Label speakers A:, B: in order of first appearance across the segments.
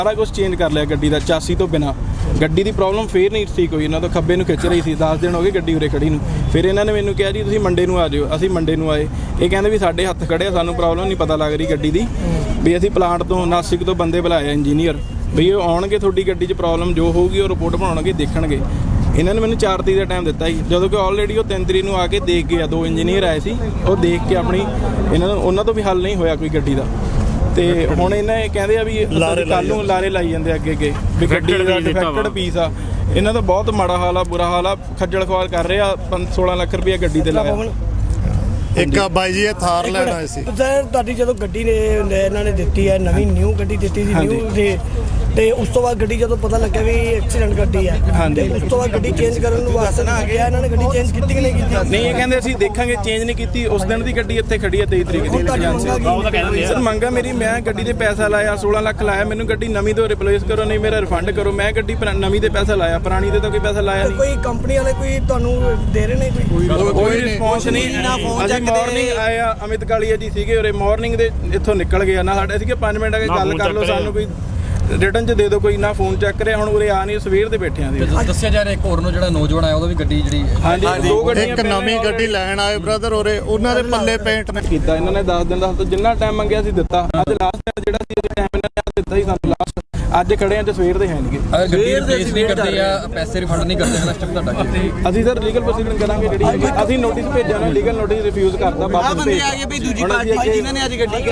A: ਸਾਰਾ ਕੁਝ ਚੇਂਜ ਕਰ ਲਿਆ ਗੱਡੀ ਦਾ ਚਾਸੀ ਤੋਂ ਬਿਨਾ। ਗੱਡੀ ਦੀ ਪ੍ਰੋਬਲਮ ਫੇਰ ਨਹੀਂ ਠੀਕ ਹੋਈ, ਇਹਨਾਂ ਤੋਂ ਖੱਬੇ ਨੂੰ ਖਿੱਚ ਰਹੀ ਸੀ। 10 ਦਿਨ ਹੋ ਗਏ ਗੱਡੀ ਉਰੇ ਖੜੀ ਨੂੰ। ਫਿਰ ਇਹਨਾਂ ਨੇ ਮੈਨੂੰ ਕਿਹਾ ਜੀ ਤੁਸੀਂ ਮੰਡੇ ਨੂੰ ਆ ਜਾਓ। ਅਸੀਂ ਮੰਡੇ ਨੂੰ ਆਏ। ਇਹ ਕਹਿੰਦੇ ਵੀ ਸਾਡੇ ਹੱਥ ਖੜੇ ਆ, ਸਾਨੂੰ ਪ੍ਰੋਬਲਮ ਨਹੀਂ ਪਤਾ ਲੱਗ ਰਹੀ ਗੱਡੀ ਦੀ, ਵੀ ਅਸੀਂ ਪਲਾਂਟ ਤੋਂ ਨਾਸਿਕ ਤੋਂ ਬੰਦੇ ਬੁਲਾਏ ਇੰਜੀਨੀਅਰ, ਵੀ ਉਹ ਆਉਣਗੇ ਤੁਹਾਡੀ ਗੱਡੀ 'ਚ ਪ੍ਰੋਬਲਮ ਜੋ ਹੋਊਗੀ ਉਹ ਰਿਪੋਰਟ ਬਣਾਉਣਗੇ, ਦੇਖਣਗੇ। ਇਹਨਾਂ ਨੇ ਮੈਨੂੰ 4 ਤਰੀਕ ਦਾ ਟਾਈਮ ਦਿੱਤਾ ਸੀ, ਜਦੋਂ ਕਿ ਆਲਰੇਡੀ ਉਹ 3 ਤਰੀਕ ਨੂੰ ਆ ਕੇ ਦੇਖ ਗਏ ਆ। 2 ਇੰਜੀਨੀਅਰ ਆਏ ਸੀ, ਉਹ ਦੇਖ ਕੇ ਆਪਣੀ ਉਹਨਾਂ ਤੋਂ ਵੀ ਹੱਲ ਨਹੀਂ ਹੋਇਆ ਕੋਈ ਗੱਡੀ ਦਾ। ਤੇ ਹੁਣ ਇਹਨਾਂ ਇਹ ਕਹਿੰਦੇ ਆ ਵੀ ਕੱਲ੍ਹ ਨੂੰ ਲਾਰੇ ਲਾਈ ਜਾਂਦੇ ਅੱਗੇ ਵੀ ਗੱਡੀ ਦਾ ਡਿਫੈਕਟਡ ਪੀਸ ਆ। ਇਹਨਾਂ ਦਾ ਬਹੁਤ ਮਾੜਾ ਹਾਲ ਆ, ਬੁਰਾ ਹਾਲ ਆ। ਖੱਜਲ ਖਵਾਰ ਕਰ ਰਹੇ ਆ। 16 ਲੱਖ ਰੁਪਇਆ ਗੱਡੀ ਤੇ ਲਾਇਆ।
B: ਇੱਕ ਬਾਈ ਜੀ ਇਹ ਥਾਰ ਲੈਣ ਆਏ ਸੀ
C: ਸਰ। ਤੁਹਾਡੀ ਜਦੋਂ ਗੱਡੀ ਨੇ ਇਹਨਾਂ ਨੇ ਦਿੱਤੀ ਹੈ, ਨਵੀਂ ਨਿਊ ਗੱਡੀ ਦਿੱਤੀ ਸੀ ਨਿਊ ਤੇ ਉਸ ਤੋਂ ਬਾਅਦ ਗੱਡੀ ਜਦੋਂ ਪਤਾ ਲੱਗਿਆ ਵੀ ਐਕਸੀਡੈਂਟ ਗੱਡੀ ਹੈ, ਤੇ ਉਸ ਤੋਂ ਬਾਅਦ ਗੱਡੀ ਚੇਂਜ ਕਰਨ ਨੂੰ ਵਾਸਤੇ ਨਾ ਗਿਆ ਇਹਨਾਂ ਨੇ ਗੱਡੀ ਚੇਂਜ ਕੀਤੀ ਕਿ ਨਹੀਂ ਕੀਤੀ?
A: ਨਹੀਂ, ਇਹ ਕਹਿੰਦੇ ਅਸੀਂ ਦੇਖਾਂਗੇ, ਚੇਂਜ ਨਹੀਂ ਕੀਤੀ। ਉਸ ਦਿਨ ਦੀ ਗੱਡੀ ਇੱਥੇ ਖੜੀ ਹੈ 23 ਤਰੀਕ ਦੀ। ਸਰ ਮੰਗਾ ਮੇਰੀ, ਮੈਂ ਗੱਡੀ ਤੇ ਪੈਸਾ ਲਾਇਆ 16 ਲੱਖ ਲਾਇਆ, ਮੈਨੂੰ ਗੱਡੀ ਨਵੀਂ ਤੋਂ ਰਿਪਲੇਸ ਕਰੋ, ਨਹੀਂ ਮੇਰਾ ਰਿਫੰਡ ਕਰੋ। ਮੈਂ ਗੱਡੀ ਨਵੀਂ ਤੇ ਪੈਸਾ ਲਾਇਆ, ਪੁਰਾਣੀ ਤੇ ਤਾਂ ਕੋਈ ਪੈਸਾ ਲਾਇਆ ਨਹੀਂ।
C: ਕੋਈ ਕੰਪਨੀ ਵਾਲੇ ਕੋਈ ਤੁਹਾਨੂੰ ਦੇ ਰਹੇ ਨੇ
A: ਕੋਈ ਰਿਸਪੌਂਸ ਨਹੀਂ। ਅਸੀਂ ਮਾਰਨਿੰਗ ਆਏ ਆ, ਅਮਿਤ ਕਾਲੀਆ ਜੀ ਸੀਗੇ ਉਰੇ, ਮਾਰਨਿੰਗ ਦੇ ਇੱਥੋਂ ਨਿਕਲ ਗਏ ਨਾ। ਸਾਡੇ ਸੀਗੇ 5 ਮਿੰਟ ਆ ਕੇ ਗੱਲ ਕਰ ਲਓ, ਸਾਨੂੰ ਕੋਈ ਰਿਟਰਨ 'ਚ ਦੇ ਦਿਓ, ਕੋਈ ਨਾ ਫੋਨ ਚੈੱਕ ਕਰਿਆ। ਹੁਣ ਉਰੇ ਆ ਨਹੀਂ, ਸਵੇਰ ਦੇ ਬੈਠੇ ਆਂ।
D: ਦੱਸਿਆ ਜਾ ਰਿਹਾ ਇੱਕ ਹੋਰ ਨੂੰ ਜਿਹੜਾ ਨੌਜਵਾਨ ਆਇਆ ਉਹਦਾ ਵੀ ਗੱਡੀ ਜਿਹੜੀ
A: ਹਾਂਜੀ 2 ਗੱਡੀਆਂ,
B: ਇੱਕ ਨਵੀਂ ਗੱਡੀ ਲੈਣ ਆਏ ਬ੍ਰਦਰ ਉਰੇ, ਉਹਨਾਂ ਦੇ ਪੱਲੇ ਪੇਂਟ ਨੇ
A: ਕੀਤਾ। ਇਹਨਾਂ ਨੇ 10 ਦਿਨ ਦਾ ਜਿੰਨਾ ਟਾਈਮ ਮੰਗਿਆ ਸੀ ਦਿੱਤਾ। ਅੱਜ ਲਾਸਟ ਜਿਹੜਾ ਸੀ ਟਾਈਮ ਇਹਨਾਂ ਨੇ ਦਿੱਤਾ ਸੀ ਸਾਨੂੰ ਲਾਸਟ। ਅੱਜ ਖੜੇ ਆਂ ਤੇ ਸਵੇਰ ਦੇ ਹੈਣਗੇ।
D: ਸਵੇਰ ਨਹੀਂ ਕਰਦੇ ਆ, ਪੈਸੇ ਰਿਫੰਡ ਨਹੀਂ ਕਰਦੇ। ਨਾ ਸਟੈਪ ਤੁਹਾਡਾ
A: ਅਸੀਂ ਸਰ ਲੀਗਲ ਪ੍ਰੋਸੀਡਿੰਗ ਕਰਾਂਗੇ। ਜਿਹੜੀ ਅਸੀਂ ਨੋਟਿਸ ਭੇਜਿਆ ਨਾ, ਲੀਗਲ ਨੋਟਿਸ ਰਿਫਿਊਜ਼ ਕਰਤਾ। ਵਾਪਸ ਭੇਜ ਆ ਗਏ ਵੀ ਦੂਜੀ ਪਾਰਟੀ ਜਿਨ੍ਹਾਂ ਨੇ ਅੱਜ ਗੱਡੀ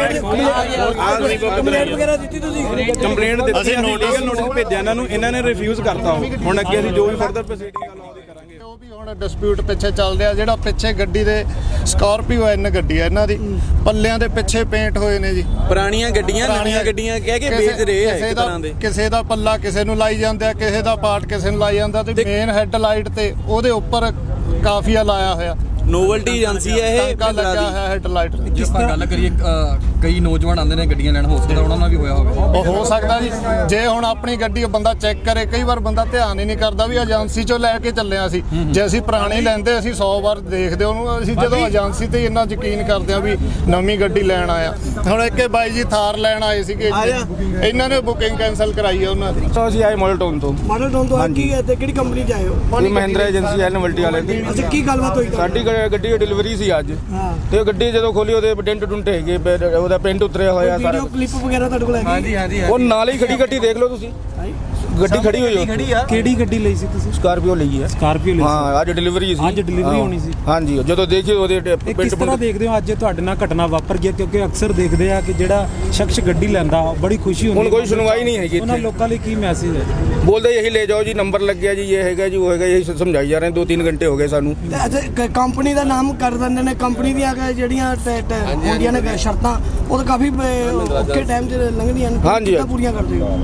C: ਕੰਪਲੇਂਟ ਵਗੈਰਾ ਦਿੱਤੀ ਤੁਸੀਂ?
A: ਕੰਪਲੇਂਟ ਦਿੱਤੀ, ਅਸੀਂ ਲੀਗਲ ਨੋਟਿਸ ਭੇਜਿਆ ਇਹਨਾਂ ਨੂੰ, ਇਹਨਾਂ ਨੇ ਰਿਫਿਊਜ਼ ਕਰਤਾ। ਹੁਣ ਅੱਗੇ ਅਸੀਂ ਜੋ ਵੀ ਫਰਦਰ ਪ੍ਰੋਸੀਡਿੰਗ ਲਾਉਂਦੇ ਕਰਾਂਗੇ।
B: ਉਹ ਵੀ ਹੁਣ ਡਿਸਪਿਊਟ ਪਿੱਛੇ ਚੱਲ ਰਿਹਾ। ਜਿਹੜਾ ਪਿੱਛੇ ਗੱਡੀ ਦੇ ਸਕਾਰਪੀਓ ਐਨ ਗੱਡੀ ਹੈ ਇਹਨਾਂ ਦੀ, ਪੱਲਿਆਂ ਦੇ ਪਿੱਛੇ ਪੇਂਟ ਹੋਏ ਨੇ ਜੀ।
E: ਪੁਰਾਣੀਆਂ ਗੱਡੀਆਂ ਨਵੀਆਂ ਗੱਡੀਆਂ ਕਹਿ ਕੇ ਵੇਚ ਰਹੇ ਆ ਇੱਕ ਤਰ੍ਹਾਂ ਦੇ।
B: ਕਿਸੇ ਦਾ ਪੱਲਾ ਕਿਸੇ ਨੂੰ ਲਾਈ ਜਾਂਦਾ, ਕਿਸੇ ਦਾ ਪਾਰਟ ਕਿਸੇ ਨੂੰ ਲਾਈ ਜਾਂਦਾ, ਤੇ ਮੇਨ ਹੈੱਡ ਲਾਈਟ ਤੇ ਉਹਦੇ ਉੱਪਰ ਕਾਫੀਆ ਲਾਇਆ ਹੋਇਆ।
E: ਨੋਵਲਟੀ ਏਜੰਸੀ ਹੈ ਇਹ,
B: ਟਾਂਕਾ ਲੱਗਾ ਹੋਇਆ ਹੈੱਡ ਲਾਈਟ।
D: ਜਿਸ ਤਰ੍ਹਾਂ ਗੱਲ ਕਰੀਏ ਕਈ ਨੌਜਵਾਨ ਆਉਂਦੇ ਨੇ ਗੱਡੀਆਂ ਲੈਣ, ਹੋ ਸਕਦਾ ਉਹਨਾਂ ਨਾਲ ਵੀ ਹੋਇਆ ਹੋਵੇ।
B: ਉਹ ਹੋ ਸਕਦਾ ਜੀ। ਜੇ ਹੁਣ ਆਪਣੀ ਗੱਡੀ ਬੰਦਾ ਚੈੱਕ ਕਰੇ, ਕਈ ਵਾਰ ਬੰਦਾ ਧਿਆਨ ਹੀ ਨਹੀਂ ਕਰਦਾ ਵੀ ਏਜੰਸੀ ਚੋਂ ਲੈ ਕੇ ਚੱਲਿਆ ਸੀ। ਜੇ ਅਸੀਂ ਪੁਰਾਣੀ ਲੈਂਦੇ ਅਸੀਂ 100 ਵਾਰ ਦੇਖਦੇ ਉਹਨੂੰ। ਅਸੀਂ ਜਦੋਂ ਏਜੰਸੀ ਤੇ ਇੰਨਾ ਯਕੀਨ ਕਰਦੇ ਆ ਵੀ ਨਵੀਂ ਗੱਡੀ ਲੈਣ ਆਇਆ। ਹੁਣ ਇੱਕ ਬਾਈ ਜੀ ਥਾਰ ਲੈਣ ਆਏ ਸੀਗੇ, ਇਹਨਾਂ ਨੇ ਬੁਕਿੰਗ ਕੈਂਸਲ ਕਰਾਈ ਹੈ ਉਹਨਾਂ ਦੀ।
A: ਅਸੀਂ ਆਏ ਮਾਡਲ ਟਾਊਨ ਤੋਂ।
C: ਮਾਡਲ ਟਾਊਨ ਤੋਂ ਕੀ ਹੈ ਤੇ ਕਿਹੜੀ ਕੰਪਨੀ 'ਚ ਆਏ ਹੋ?
A: ਮਹਿੰਦਰਾ ਏਜੰਸੀ ਹੈ ਨੋਵਲਟੀ ਵਾਲੇ ਦੀ।
C: ਅੱਛਾ, ਕੀ ਗੱਲਬਾਤ ਹੋਈ?
A: ਸਾਡੀ ਗੱਡੀ ਦੀ ਡਿਲੀਵਰੀ ਸੀ ਅੱਜ, ਤੇ ਗੱਡੀ ਜਦੋਂ ਖੋਲੀ ਉਹਦੇ ਡੈਂਟ ਡੁੰਟ ਹੈਗੇ, ਉਹਦਾ ਪੈਂਟ ਉਤਰਿਆ ਹੋਇਆ ਸਾਰਾ।
C: ਵੀਡੀਓ ਕਲਿੱਪ ਵਗੈਰਾ ਤੁਹਾਡੇ ਕੋਲ ਹੈਗੀ?
E: ਹਾਂਜੀ
A: ਉਹ ਨਾਲ ਹੀ ਖੜੀ ਗੱਡੀ ਦੇਖ ਲਓ ਤੁਸੀਂ, ਗੱਡੀ ਖੜੀ ਹੋਈ ਹੈ।
F: ਕਿਹੜੀ ਗੱਡੀ ਲਈ ਸੀ ਤੁਸੀਂ?
A: ਸਕਾਰਪੀਓ ਲਈ ਹੈ।
F: ਸਕਾਰਪੀਓ ਲਈ
A: ਹਾਂ, ਅੱਜ ਡਿਲੀਵਰੀ ਸੀ।
F: ਅੱਜ ਡਿਲੀਵਰੀ ਹੋਣੀ ਸੀ।
A: ਹਾਂਜੀ, ਜਦੋਂ ਦੇਖੀ ਉਹਦੇ
F: ਕਿਸ ਤਰ੍ਹਾਂ ਦੇਖਦੇ ਹੋ ਅੱਜ ਤੁਹਾਡੇ ਨਾਲ ਘਟਨਾ ਵਾਪਰ ਗਿਆ? ਕਿਉਂਕਿ ਅਕਸਰ ਦੇਖਦੇ ਆ ਕਿ ਜਿਹੜਾ ਸ਼ਖਸ ਗੱਡੀ ਲੈਂਦਾ ਬੜੀ ਖੁਸ਼ੀ ਹੁੰਦੀ ਹੈ।
A: ਹੁਣ ਕੋਈ ਸੁਣਵਾਈ ਨਹੀਂ ਹੈਗੀ।
F: ਉਹਨਾਂ ਲੋਕਾਂ ਲਈ ਕੀ ਮੈਸੇਜ ਹੈ?
A: ਬੋਲਦੇ ਯਹੀ ਲੈ ਜਾਓ ਜੀ, ਨੰਬਰ ਲੱਗ ਗਿਆ ਜੀ, ਇਹ ਹੈਗਾ ਜੀ, ਉਹ ਹੈਗਾ, ਯਹੀ ਸਮਝਾਈ ਜਾ ਰਹੇ। 2-3 ਘੰਟੇ ਹੋ ਗਏ ਸਾਨੂੰ।
C: ਕੰਪਨੀ ਦਾ ਨਾਮ ਕਰ ਦਿੰਦੇ ਨੇ। ਕੰਪਨੀ ਦੀਆਂ ਜਿਹੜੀਆਂ ਹੁੰਦੀਆਂ ਨੇ ਸ਼ਰਤਾਂ, ਉਹ ਤਾਂ ਕਾਫੀ ਔਖੇ ਟਾਈਮ 'ਚ ਲੰਘਦੀਆਂ ਨੇ।
A: ਹਾਂਜੀ,
C: ਪੂਰੀਆਂ ਕਰਦੇ ਹੋ?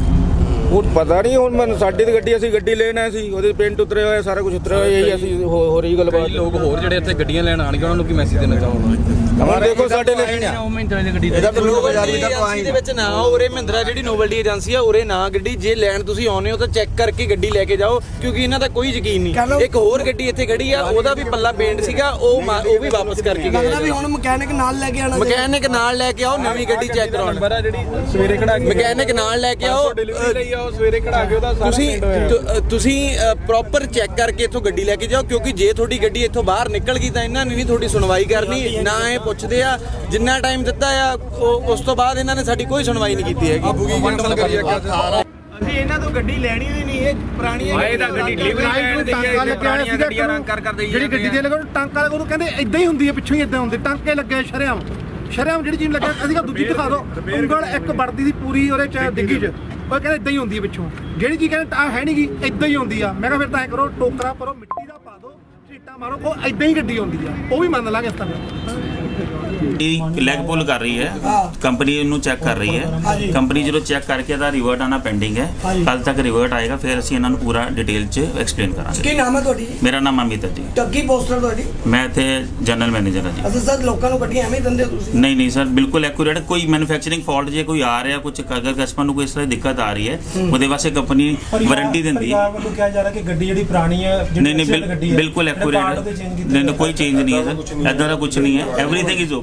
A: ਉਹ ਪਤਾ ਨਹੀਂ। ਹੁਣ ਮੈਂ ਸਾਡੀ ਦੀ ਗੱਡੀ, ਅਸੀਂ ਗੱਡੀ ਲੈਣ ਆਏ ਸੀ, ਉਹਦੇ ਪੈਂਟ ਉਤਰੇ ਹੋਏ, ਸਾਰਾ ਕੁਝ ਉਤਰਿਆ ਹੋਇਆ। ਇਹੀ ਅਸੀਂ ਹੋ ਰਹੀ ਗੱਲਬਾਤ।
D: ਲੋਕ ਹੋਰ ਜਿਹੜੇ ਇੱਥੇ ਗੱਡੀਆਂ ਲੈਣ ਆਣਗੇ ਉਹਨਾਂ ਨੂੰ ਕੀ ਮੈਸੇਜ ਦੇਣਾ ਚਾਹੋਗੇ?
A: ਹਮਾਰੇ ਦੇਖੋ ਸਾਡੇ ਲਈ
E: ਇਹਦਾ ਤਾਂ ਲੋਕ ਬਾਜ਼ਾਰ ਵੀ ਤੱਕ ਆਏ ਦੇ ਵਿੱਚ ਨਾ ਉਰੇ ਮਹਿੰਦਰਾ ਜਿਹੜੀ ਨੋਵਲਟੀ ਏਜੰਸੀ ਆ ਉਰੇ ਨਾ ਗੱਡੀ ਜੇ ਲੈਣ ਤੁਸੀਂ ਆਉਨੇ ਹੋ ਤਾਂ ਚੈੱਕ ਕਰਕੇ ਗੱਡੀ ਲੈ ਕੇ ਜਾਓ, ਕਿਉਂਕਿ ਇਹਨਾਂ ਦਾ ਕੋਈ ਯਕੀਨ ਨਹੀਂ। ਇੱਕ ਹੋਰ ਗੱਡੀ ਇੱਥੇ ਖੜੀ ਆ, ਉਹਦਾ ਵੀ ਪੱਲਾ ਪੇਂਟ ਸੀਗਾ, ਉਹ ਵੀ ਵਾਪਸ ਕਰਕੇ ਗਏ।
C: ਲੱਗਦਾ ਵੀ ਹੁਣ ਮਕੈਨਿਕ ਨਾਲ ਲੈ ਕੇ ਆਣਾ।
E: ਮਕੈਨਿਕ ਨਾਲ ਲੈ ਕੇ ਆਓ, ਨਵੀਂ ਗੱਡੀ ਚੈੱਕ ਕਰਾਉਣ।
A: ਜਿਹੜੀ ਸਵੇਰੇ ਖੜਾ ਕੇ
E: ਮਕੈਨਿਕ ਨਾਲ ਲੈ ਕੇ ਆਓ,
A: ਡਿਲੀਵਰੀ ਲਈ ਆਓ, ਸਵੇਰੇ ਖੜਾ ਕੇ ਉਹਦਾ ਸਾਰਾ
E: ਤੁਸੀਂ ਪ੍ਰੋਪਰ ਚੈੱਕ ਕਰਕੇ ਇੱਥੋਂ ਗੱਡੀ ਲੈ ਕੇ ਜਾਓ, ਕਿਉਂਕਿ ਜੇ ਤੁਹਾਡੀ ਗੱਡੀ ਇੱਥੋਂ ਬਾਹਰ ਨਿਕਲ ਗਈ ਤਾਂ ਇਹਨਾਂ ਨੇ ਨਹੀਂ ਤੁਹਾਡੀ ਸੁਣਵਾਈ ਕਰਨੀ। ਨਾ ਇਹ ਪੁੱਛਦੇ ਆ ਜਿੰਨਾ ਟਾਈਮ ਦਿੱਤਾ ਆ, ਉਸ ਤੋਂ ਬਾਅਦ ਇਹਨਾਂ ਨੇ ਸਾਡੀ ਕੋਈ ਸੁਣਵਾਈ ਨਹੀਂ ਕੀਤੀ ਹੈਗੀ।
G: ਅਸੀਂ ਇਹਨਾਂ ਤੋਂ ਗੱਡੀ ਲੈਣੀ ਹੋਈ ਨਹੀਂ। ਇਹ ਪੁਰਾਣੀਆਂ ਗੱਡੀ ਡਿਲੀਵਰੀ ਲੈਣ ਦੀ ਹੈ, ਪੁਰਾਣੀਆਂ ਗੱਡੀਆਂ ਰੰਗ ਕਰ ਦੇਈ।
H: ਜਿਹੜੀ ਗੱਡੀ ਦੇ ਲਗਾ ਟਾਂਕਾ ਲਗਾ, ਉਹਨੂੰ ਕਹਿੰਦੇ ਇਦਾਂ ਹੀ ਹੁੰਦੀ ਹੈ, ਪਿੱਛੋਂ ਹੀ ਇਦਾਂ ਹੁੰਦੇ ਟਾਂਕੇ ਲੱਗੇ ਸ਼ਰਿਆਮ ਜਿਹੜੀ ਚੀਜ਼ ਲੱਗਾ। ਅਸੀਂ ਦੂਜੀ ਦਿਖਾ ਦਿਓ, ਉਂਗਲ ਇੱਕ ਵੜਦੀ ਦੀ ਪੂਰੀ ਉਹਦੇ ਚ ਡਿੱਗੀ ਚ, ਉਹ ਕਹਿੰਦੇ ਇਦਾਂ ਹੀ ਹੁੰਦੀ ਹੈ ਪਿੱਛੋਂ। ਜਿਹੜੀ ਚੀਜ਼ ਕਹਿੰਦੇ ਆ ਹੈ ਨਹੀਂ ਗੀ, ਇਦਾਂ ਹੀ ਹੁੰਦੀ ਆ। ਮੈਂ ਕਿਹਾ ਫਿਰ ਤਾਂ ਐਂ ਕਰੋ, ਟੋਕਰਾ ਭਰੋ, ਮਿੱਟੀ ਦਾ ਪਾ ਦਿਓ, ਝੀਟਾ ਮਾਰੋ, ਉਹ ਇਦਾਂ ਹੀ ਗੱਡੀ ਹੁੰਦੀ ਆ। ਉਹ ਵੀ ਮੰਨ ਲਾਂਗੇ ਇਸ ਤਰ੍ਹਾਂ।
I: ਲੈਗ ਪੁੱਲ ਕਰ ਰਹੀ ਹੈ, ਕੰਪਨੀ ਨੂੰ ਚੈੱਕ ਕਰ ਰਹੀ ਹੈ। ਕੰਪਨੀ ਜਦੋਂ ਚੈੱਕ ਕਰਕੇ ਇਹਦਾ ਰਿਵਰਟ ਆਣਾ ਪੈਂਡਿੰਗ ਹੈ, ਕੱਲ ਤੱਕ ਰਿਵਰਟ ਆਏਗਾ, ਫਿਰ ਅਸੀਂ ਇਹਨਾਂ ਨੂੰ ਪੂਰਾ ਡਿਟੇਲ 'ਚ ਐਕਸਪਲੇਨ ਕਰਾਂਗੇ।
C: ਕੀ ਨਾਮ ਹੈ ਤੁਹਾਡੀ?
I: ਮੇਰਾ ਨਾਮ ਅਮਿਤ ਹੈ ਜੀ।
C: ਟੱਗੀ ਪੋਸਟਰ ਤੁਹਾਡੀ?
I: ਮੈਂ ਇੱਥੇ ਜਨਰਲ ਮੈਨੇਜਰ ਹਾਂ ਜੀ।
C: ਅੱਛਾ ਸਰ, ਲੋਕਾਂ ਨੂੰ ਗੱਡੀਆਂ ਐਵੇਂ ਦਿੰਦੇ ਹੋ ਤੁਸੀਂ?
I: ਨਹੀਂ ਸਰ, ਬਿਲਕੁਲ ਐਕੂਰੇਟ। ਕੋਈ ਮੈਨੂਫੈਕਚਰਿੰਗ ਫਾਲਟ ਜੇ ਕੋਈ ਆ ਰਿਹਾ, ਕੁਝ ਅਗਰ ਕਸਟਮਰ ਨੂੰ ਕੋਈ ਇਸ ਤਰ੍ਹਾਂ ਦੀ ਦਿੱਕਤ ਆ ਰਹੀ ਹੈ, ਉਹਦੇ ਵਾਸਤੇ ਕੰਪਨੀ ਵਾਰੰਟੀ ਦਿੰਦੀ ਹੈ।
F: ਕਿਹਾ ਜਾ ਰਿਹਾ ਕਿ ਗੱਡੀ ਜਿਹੜੀ ਪੁਰਾਣੀ ਹੈ,
I: ਨਹੀਂ ਬਿਲਕੁਲ ਐਕੂਰੇਟ। ਨਹੀਂ ਕੋਈ ਚੇਂਜ ਨਹੀਂ ਹੈ ਸਰ, ਇੱਦਾਂ ਦਾ ਕੁਝ ਨਹੀਂ ਹੈ। Everything is